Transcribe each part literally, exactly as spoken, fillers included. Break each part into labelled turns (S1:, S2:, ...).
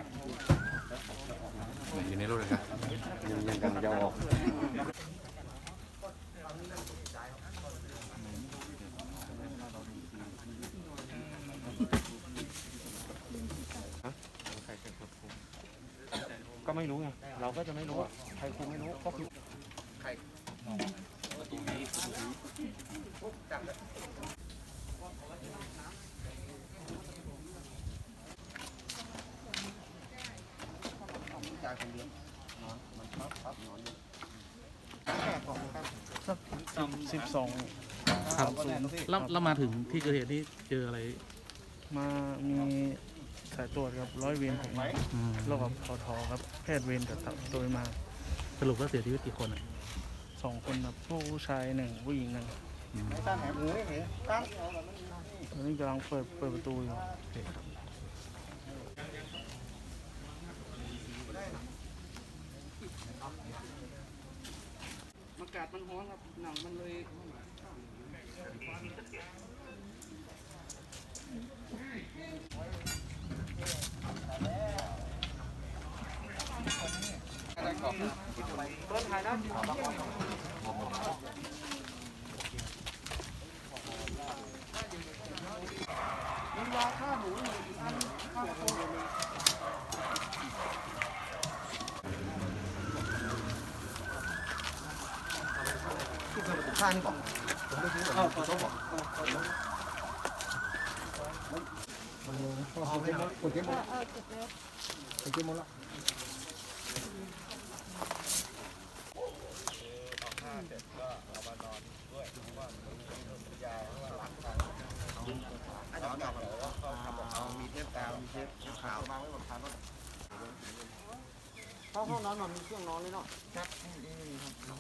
S1: อยู่ในรถเลยครับ
S2: ยังยังกำลังจะออกก็ไม่รู้ไงเราก็จะไม่รู้อ่ะใครคุมไม่รู้ก็คือใครประตูนี้จับเลยจ่ายคนเดียวนอนมันพับพับนอนอยู่แค่ของครับ
S3: สักสิบสอง
S1: ครับแล้วเรามาถึงที่เกิดเหตุนี่เจออะไร
S3: มามีสายตรวจครับร้อยเวรผมแล้วกับพอทอครับแพทย์เวรกับโดยมา
S1: สรุปว่าเสียชีวิตกี่คนอ่ะ
S3: สองคนครับผู้ชายหนึ่งผู้หญิงหนึ่ง
S2: ตั้งแหมมือไม่เห็นตั้ง
S3: ตอนนี้กำลังเปิดเปิดประตูอยู่อากาศมันร้อนครับหนังมันเลยเปิดถ่ายได้มันวางข้าหมูอันข้าวโพด
S2: ข้างนี่ก่อนผมไปซื้อก่อนเขาบอกเอาไปหมดคนเก็บหมดคนเก็บหมดแล้วมีเทปกาวมีเทปขาววางไว้บนคานรถห้องห้องนอนมันมีเครื่องนอนเลยเนาะครับนี่ครับ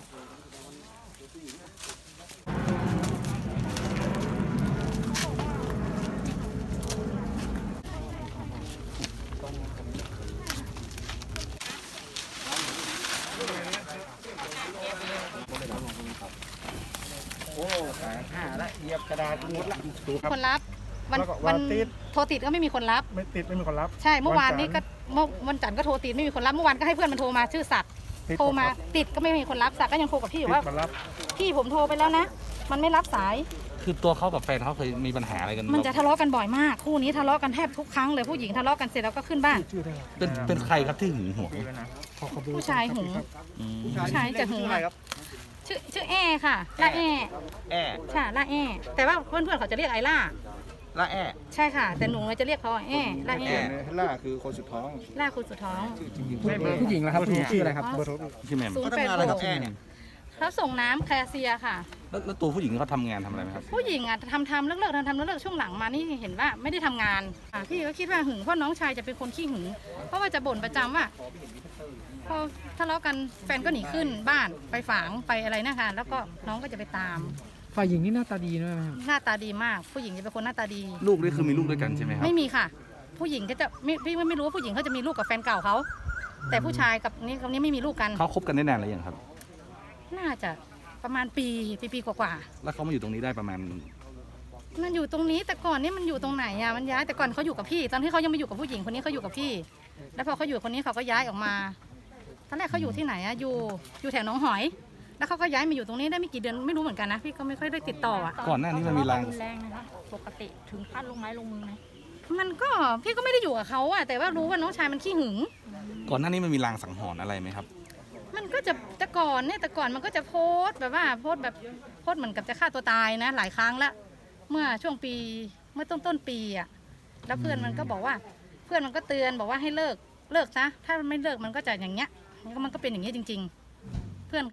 S2: โอ้ขาห้าละเหยียบกระดาษหมดละ
S4: คนรับวันวันโทรติดก็ไม่มีคนรับ
S3: ไม่ติดไม่มีคนรับ
S4: ใช่เมื่อวานนี้ก็เมื่อวันจันทร์ก็โทรติดไม่มีคนรับเมื่อวานก็ให้เพื่อนมันโทรมาชื่อศักดิ์โทรมาติดก็ไม่มีคนรับศักดิ์ก็ยังโทรกับพี่อยู่ว่าพี่ผมโทรไปแล้วนะมันไม่รับสาย
S1: คือตัวเขากับแฟนเขาเคยมีปัญหาอะไรกัน
S4: มันจะทะเลาะกันบ่อยมากคู่นี้ทะเลาะกันแทบทุกครั้งเลยผู้หญิงทะเลาะกันเสร็จแล้วก็ขึ้นบ้าน
S1: เป็นเป็นใครครับที่หึงหวง
S4: ผู้ชายหึงผู้ชายจะหึงชื่อชื่อแอค่ะล่าแอ
S2: แอ
S4: ใช่ล่าแอแต่ว่าเพื่อนเพื่อนเขาจะเรียกไอล่า
S2: ล่าแอ
S4: ใช่ค่ะแต่หนูจะเรียกเขาแอล่าแอ
S2: ล่าคือคนสุดท้อง
S4: ล่าคนสุดท้อง
S3: ผู้หญิงแล้วครับชื่ออะไรครับเบอร์โทร
S1: ชื่อแม่
S2: เขาทำงานอะไรกับแอเนี่ย
S4: เขาส่งน้ำแคลเซียค่ะ
S1: แล้วตัวผู้หญิงเขาทำงานทำอะไรไหมครับ
S4: ผู้หญิงอ่ะทำทำเลิกเลิกทำทำเลิกเลิกช่วงหลังมานี่เห็นว่าไม่ได้ทำงานพี่ก็คิดว่าหึงเพราะน้องชายจะเป็นคนขี้หึงเพราะว่าจะบ่นประจำว่าพอทะเลาะกันแฟนก็หนีขึ้นบ้านไปฝางไปอะไรนะคะแล้วก็น้องก็จะไปตาม
S3: ฝ่ายหญิงนี่หน้าตาดีนะ
S4: หน้าตาดีมากผู้หญิงจะเป็นคนหน้าตาดี
S1: ลูกนี่คือมีลูกด้วยกันใช่ไหมครับ
S4: ไม่มีค่ะผู้หญิงก็จะไม่พี่ไม่รู้ว่าผู้หญิงเขาจะมีลูกกับแฟนเก่าเขาแต่ผู้ชายกับนี่คนนี้ไม่มีลูกกัน
S1: เขาคบกันได้นานหรือยังครับ
S4: น่าจะประมาณปีปีปีกว่า
S1: ๆแล้วเขามาอยู่ตรงนี้ได้ประมาณ
S4: มันอยู่ตรงนี้แต่ก่อนนี่มันอยู่ตรงไหนอ่ะมันย้ายแต่ก่อนเขาอยู่กับพี่ตอนที่เขายังไม่อยู่กับผู้หญิงคนนี้เขาอยู่กับพี่แล้วพอเขาอยู่คนนี้เขาก็ย้ายออกมาตอนแรกเขาอยู่ที่ไหนอ่ะอยู่อยู่แถวหนองหอยแล้วเขาก็ย้ายมาอยู่ตรงนี้ได้ไม่กี่เดือนไม่รู้เหมือนกันนะพี่ก็ไม่ค่อยได้ติดต่ออ่ะ
S1: ก่อนหน้านี้มันมีแรง
S4: แรงนะคะปกติถึงขั้นลงไม้ลงมือไหมมันก็พี่ก็ไม่ได้อยู่กับเขาอ่ะแต่ว่ารู้ว่าน้องชายมันขี้หึง
S1: ก่อนหน้านี้มันมีลางสังหรณ์อะไรไหมครับ
S4: มันก็จะแต่ก่อนเนี่ยแต่ก่อนมันก็จะโพสแบบว่าโพสแบบโพสเหมือนกับจะฆ่าตัวตายนะหลายครั้งแล้วเมื่อช่วงปีเมื่อต้นต้นปีอ่ะแล้วเพื่อนมันก็บอกว่าเพื่อนมันก็เตือนบอกว่าให้เลิกเลิกซะถ้ามันไม่เลิกมันก็จะอย่างเงี้ยมันก็เป็นอย่างนี้จริงๆ